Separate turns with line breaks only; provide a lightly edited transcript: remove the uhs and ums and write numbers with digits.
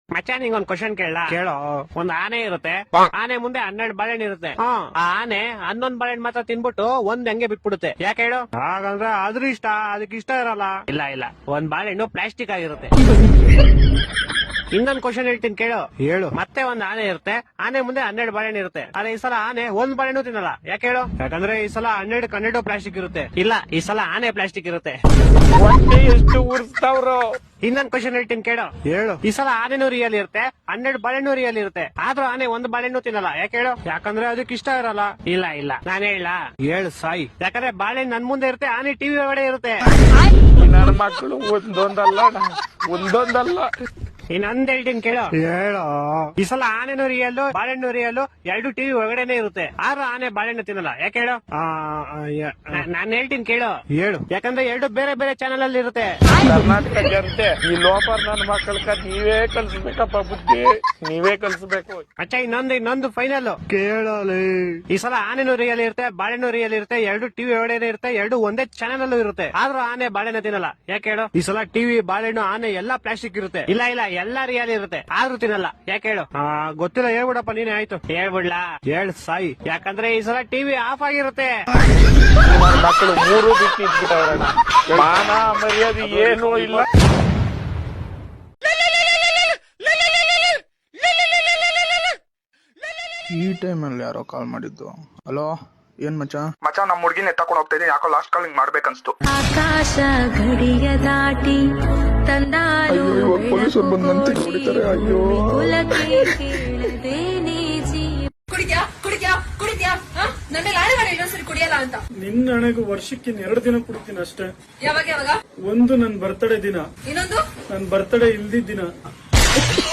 ಮಚ್ಚ ನಿಂಗೊಂದ್ ಕ್ವಶನ್ ಕೇಳ ಕೇಳೋ. ಒಂದ್ ಆನೆ ಇರುತ್ತೆ, ಆನೆ ಮುಂದೆ 12 ಬಾಳೆಹಣ್ಣು ಇರುತ್ತೆ. ಆ ಆನೆ 11 ಬಾಳೆಹಣ್ಣು ಮಾತ್ರ ತಿನ್ಬಿಟ್ಟು ಒಂದ್ ಹಂಗೆ ಬಿಟ್ಬಿಡುತ್ತೆ. ಯಾಕೆ ಹೇಳು? ಹಾಗಂದ್ರೆ ಅದ್ರ ಇಷ್ಟ, ಅದಕ್ಕೆ ಇಷ್ಟ ಇರಲ್ಲ. ಇಲ್ಲ ಇಲ್ಲ, ಒಂದ್ ಬಾಳೆಹಣ್ಣು ಪ್ಲಾಸ್ಟಿಕ್ ಆಗಿರುತ್ತೆ. ಇನ್ನೊಂದ್ ಕ್ವಶನ್ ಹೇಳ್ತೀನಿ ಕೇಳು. ಹೇಳು. ಮತ್ತೆ ಒಂದ್ ಆನೆ ಇರುತ್ತೆ, ಆನೆ ಮುಂದೆ 12 ಬಾಳೆಹಣ್ಣು ಇರುತ್ತೆ. ಆದ್ರೆ ಈ ಸಲ ಆನೆ ಒಂದ್ ಬಾಳೆಹಣ್ಣು ತಿನ್ನಲ್ಲ. ಯಾಕೆ ಹೇಳು? ಯಾಕಂದ್ರೆ ಈ ಸಲ 12 ಪ್ಲಾಸ್ಟಿಕ್ ಇರುತ್ತೆ. ಇಲ್ಲ, ಈ ಸಲ ಆನೆ ಪ್ಲಾಸ್ಟಿಕ್ ಇರುತ್ತೆ. ಎಷ್ಟು ಉರ್ಸ್ತಾವ್ರು. ಇನ್ನೊಂದ್ ಕ್ವಶನ್ ಹೇಳ್ತೀನಿ ಕೇಳು. ಹೇಳು. ಈ ಸಲ ಆನೆನೂ ರಿಯಲ್ ಇರುತ್ತೆ, 12 ಬಾಳೆಹಣ್ಣು ರಿಯಲ್ ಇರುತ್ತೆ. ಆದ್ರೂ ಆನೆ ಒಂದ್ ಬಾಳೆಹಣ್ಣು ತಿನ್ನಲ್ಲ. ಯಾಕೆ ಹೇಳು? ಯಾಕಂದ್ರೆ ಅದಕ್ಕೆ ಇಷ್ಟ ಇರಲ್ಲ. ಇಲ್ಲ ಇಲ್ಲ, ನಾನ್ ಹೇಳ. ಹೇಳು ಸಾಯಿ. ಯಾಕಂದ್ರೆ ಬಾಳೆಹಣ್ಣು ನನ್ ಮುಂದೆ ಇರುತ್ತೆ, ಆನೆ ಟಿವಿ ಒಳಗಡೆ ಇರುತ್ತೆ.
ನನ್ನ ಮಕ್ಕಳು ಒಂದೊಂದಲ್ಲ.
ಇನ್ನೊಂದ್ ಹೇಳ್ತೀನಿ ಕೇಳು. ಹೇಳು. ಈ ಸಲ ಆನೆನೂ ರಿಯಲ್ಲು, ಬಾಳೆಹಣ್ಣು ರಿಯಲ್ಲು, 2 ಟಿವಿ ಒಳಗಡೆನೆ ಇರುತ್ತೆ. ಆದ್ರೂ ಆನೆ ಬಾಳೆಹಣ್ಣು ತಿನ್ನಲ್ಲ. ಯಾಕೆ ಹೇಳು? ನಾನ್ ಹೇಳ್ತೀನಿ ಕೇಳು. ಹೇಳು. ಯಾಕಂದ್ರೆ 2 ಬೇರೆ ಬೇರೆ ಚಾನೆಲ್ ಅಲ್ಲಿ ಇರುತ್ತೆ.
ಕರ್ನಾಟಕ ಜನತೆ ಈ ಲೋಪರ್ ನನ್ನ ಮಕ್ಕಳ ನೀವೇ ಕಲ್ಸ್ಬೇಕಪ್ಪ, ಬುದ್ಧಿ ನೀವೇ ಕಲ್ಸ್ಬೇಕು.
ಅಚ್ಚ ಇನ್ನೊಂದು ಫೈನಲ್ ಕೇಳಲಿ. ಈ ಸಲ ಆನೆನೂ ರಿಯಲ್ ಇರುತ್ತೆ, ಬಾಳೆಹಣ್ಣು ರಿಯಲ್ ಇರುತ್ತೆ, 2 ಟಿವಿ ಒಳಗಡೆ ಇರುತ್ತೆ, 2 ಒಂದೇ ಚಾನೆಲ್ ಅಲ್ಲೂ ಇರುತ್ತೆ. ಆದ್ರೂ ಆನೆ ಬಾಳೆಹಣ್ಣು ತಿನ್ನಲ್ಲ. ಯಾಕೆ ಹೇಳು? ಈ ಸಲ ಟಿವಿ, ಬಾಳೆಹಣ್ಣು, ಆನೆ ಎಲ್ಲಾ ಪ್ಲಾಸ್ಟಿಕ್ ಇರುತ್ತೆ. ಇಲ್ಲ ಇಲ್ಲ, ಎಲ್ಲಾ ರಿಯಲ್ ಇರುತ್ತೆ, ಆದ್ರೂ ತಿನ್ನಲ್ಲ. ಯಾಕೆ ಹೇಳು? ಗೊತ್ತಿಲ್ಲ, ಹೇಳ್ಬಿಡಪ್ಪ ನೀನೆ. ಆಯ್ತು, ಹೇಳ್ಬಿಡ್ಲಾ? ಹೇಳ್ ಸಾಯಿ. ಯಾಕಂದ್ರೆ ಈ ಸಲ ಟಿವಿ ಆಫ್ ಆಗಿರುತ್ತೆ.
ನನ್ನ ಮಕ್ಕಳು 3 ಬಿಟ್ಟು ಇಟ್ಬಿಟ್ಟವ್ರಣ್ಣ. ಮಾನ ಮರ್ಯಾದೆ ಏನೂ ಇಲ್ಲ.
ಈ ಟೈಮಲ್ಲಿ ಯಾರೋ ಕಾಲ್ ಮಾಡಿದ್ದು. ಹಲೋ, ಏನ್ ಮಚ್ಚ?
ನಮ್ಮ ಹುಡುಗಿನ ಎತ್ತಾಕೊಂಡು ಹೋಗ್ತಾ ಇದ್ದೀನಿ. ಯಾಕೋ ಲಾಸ್ಟ್ ಕಾಲ್ ಮಾಡ್ಬೇಕನ್ಸ್ತು.
ಆಕಾಶ ಗಡಿಯ ದಾಟಿ ತಂದಾರು
ಪೊಲೀಸರು ಬಂದಂತೆ ಹೊಡಿತಾರೆ. ಅಯ್ಯೋ,
ಕುಡಿದ್ಯಾ ನನ್ನ ಲಾರಿ ಮಾಡಿ ಇನ್ನೊಂದ್ಸರಿ ಕುಡಿಯಲ್ಲ ಅಂತ.
ನಿನ್ನ ಹಣೆಗೂ ವರ್ಷಕ್ಕೆ 2 ದಿನ ಕುಡ್ತೀನಿ ಅಷ್ಟೇ.
ಯಾವಾಗ?
ಒಂದು ನನ್ ಬರ್ತಡೇ ದಿನ,
ಇನ್ನೊಂದು
ನನ್ ಬರ್ತಡೇ ಇಲ್ದಿದ್ದ ದಿನ.